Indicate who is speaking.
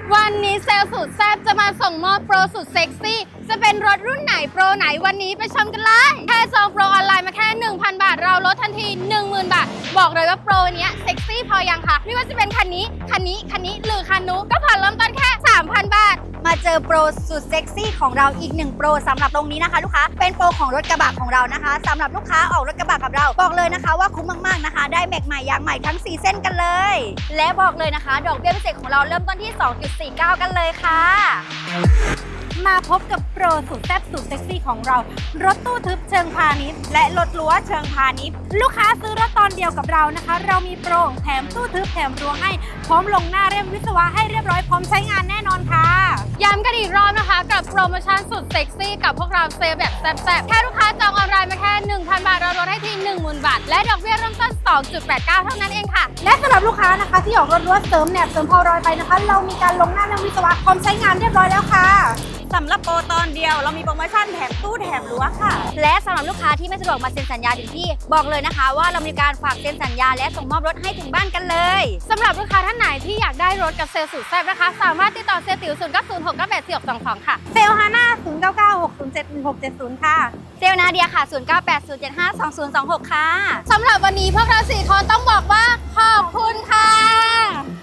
Speaker 1: วันนี้เซลล์สุดแซ่บจะมาส่งมอบโปรสุดเซ็กซี่จะเป็นรถรุ่นไหนโปรไหนวันนี้ไปชมกันเลยแค่จองโปรออนไลน์มาแค่ 1,000 บาทเราลดทันที 10,000 บาทบอกเลยว่าโปรเนี้ยเซ็กซี่พอยังคะไม่ว่าจะเป็นคันนี้หรือคันนู้นก็ผ่อนเริ่มต้นแค่ 3,000 บาท
Speaker 2: มาเจอโปรสุดเซ็กซี่ของเราอีก1โปรสำหรับตรงนี้นะคะลูกค้าเป็นโปรของรถกระบะของเรานะคะสำหรับลูกค้าออกรถกระบะกับเราบอกเลยนะคะว่าคุ้มมากๆนะคะได้แม็กใหม่ยางใหม่ทั้ง4เส้นกันเลยและบอกเลยนะคะดอกเบี้ยพิเศษของเราเริ่มต้นที่ 2.49 กันเลยค่ะ
Speaker 1: มาพบกับโปรสุดแซ่บสุดเซ็กซี่ของเรารถตู้ทึบเชิงพาณิชย์และรถรั้วเชิงพาณิชย์ลูกค้าซื้อรถตอนเดียวกับเรานะคะเรามีโปรแถมตู้ทึบแถมรั้วให้พร้อมลงหน้าเล่มวิศวะให้เรียบร้อยพร้อมใช้งานแน่นอนค่ะย้ำกันอีกรอบนะคะกับโปรโมชั่นสุดเซ็กซี่กับพวกเราเซลแบบแซ่บๆแค่ลูกค้าจองออนไลน์มาแค่ 1,000 บาทเราลดให้ที่ 10,000 บาทและดอกเบี้ยเริ่มต้น 2.89 เท่านั้นเองค่ะและสำหรับลูกค้านะคะที่ออกรถรั้วเสริมแหนบเสริมพอรอยไปนะคะเรามีการลงหน้าเล่มวิศวะพร้อมใช้งานเรียบร้อยแล้วค่ะ
Speaker 2: สำหรับโปรตอนเดียวเรามีโปรโมชั่นแถมตู้แถมรั้วค่ะและสำหรับลูกค้าที่ไม่สะดวกมาเซ็นสัญญาถึงที่บอกเลยนะคะว่าเรามีการฝากเซ็นสัญญาและส่งมอบรถให้ถึงบ้านกันเลย
Speaker 1: สำหรับลูกค้าท่านไหนที่อยากได้รถกับเซลล์สุดแซ่บนะคะสามารถติดต่อเซลล์ติ๋ว0906984622ค่ะ
Speaker 2: เซลล์ฮาน่า0996071670ค่ะเซลล์นาเดียค่ะ0980752026ค่ะ
Speaker 1: สำหรับวันนี้พวกเรา4คนต้องบอกว่าขอบคุณค่ะ